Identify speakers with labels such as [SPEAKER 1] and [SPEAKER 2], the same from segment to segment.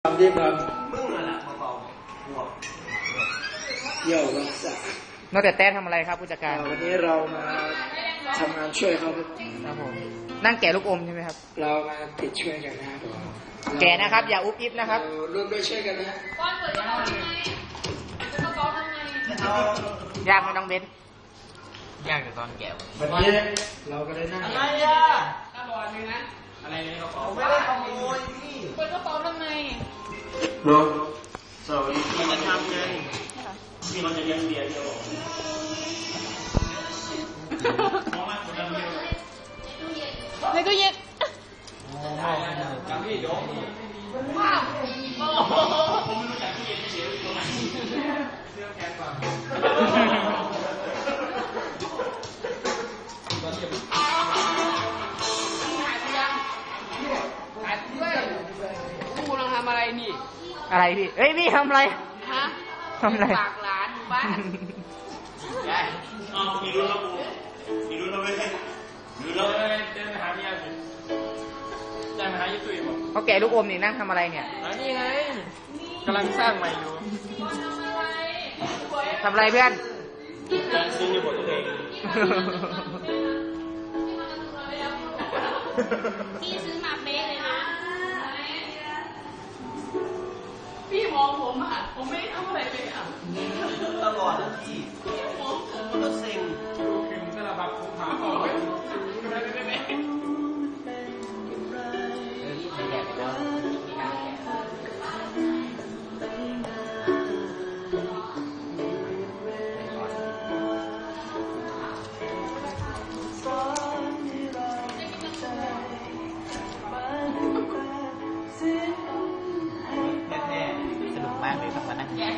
[SPEAKER 1] ทำที่ท
[SPEAKER 2] มึงอะไรมาเป่าหัว
[SPEAKER 1] ำเยี่ยวรักษาน
[SPEAKER 3] อกแต่แต้ทำอะไรครับผู้จัดการ
[SPEAKER 1] วันนี้เรามาทำงานช่วยเขาครับ
[SPEAKER 3] ครับผมนั่งแกะลูกอมใช่ไหมครับ
[SPEAKER 1] เรามาติดช่วยกันนะครับ
[SPEAKER 3] แกะนะครับ อย่าอุบอิบนะครับ
[SPEAKER 1] เราร่วมด้วยช่วยกันนะ
[SPEAKER 4] ก้อนเปิดกระเป๋าทำไมกระเป๋าทำไม
[SPEAKER 3] ยากไหมน้องเบน
[SPEAKER 2] ยากแต่ตอนแก่
[SPEAKER 1] วันนี้เราก็ได้นั่ง
[SPEAKER 2] อะไรอ่ะ
[SPEAKER 4] กระบอกนึงนะ
[SPEAKER 2] อะไรในกระเป๋าไม่ได้ขโมยพี่
[SPEAKER 4] เปิดกระเป๋าทำไม
[SPEAKER 1] รวม
[SPEAKER 2] สวัสดีพี่จะทำไงพี่มันจะเลี้ยงเบียร์เดียวมองมาคนละเดียว
[SPEAKER 4] ในตู้เย็น
[SPEAKER 2] กับพี่โยม
[SPEAKER 4] ว้าว
[SPEAKER 2] ผมไม่รู้จักพี่เย็นเฉยๆตรงไหนเสื้อแขนก่อน
[SPEAKER 4] กูกำลังทำอะไรนี่
[SPEAKER 3] อะไรพี่ เอ้ยพี่ทำอะไร
[SPEAKER 4] ฮะ
[SPEAKER 3] ทำอะไร
[SPEAKER 4] ปากหลานบ้าน
[SPEAKER 2] ยายอ๋อมีรู้แล้วมีรู้แล้วไม่ใช่รู้แล้วเดินไปหาพี่ยาสิยายมาหายี่ตุ้ยบอก
[SPEAKER 3] เขาแกะลูกอมนี่นั่งทำอะไรเนี่ย
[SPEAKER 2] นี่ไงกำลังสร้างใหม่อยู่
[SPEAKER 3] ทำอะไรเพื่อน
[SPEAKER 2] การซื้อในบทตัวเอง
[SPEAKER 4] พี่ซื้อมาเป๊ะเลยนะ พี่มองผมอ่ะ ผมไม่ได้ทำอะไรเลยอ่ะ
[SPEAKER 2] ตลอดนะพี่มันก็เซ็งคือสลับแบบผมหาต่อไว้แน่ๆสนุกมากเลยครับมานั่งแกะ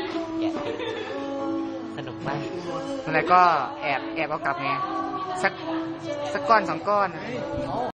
[SPEAKER 2] สนุกมาก
[SPEAKER 3] อะไรก็แอบเอากลับไงสักก้อนสองก้อน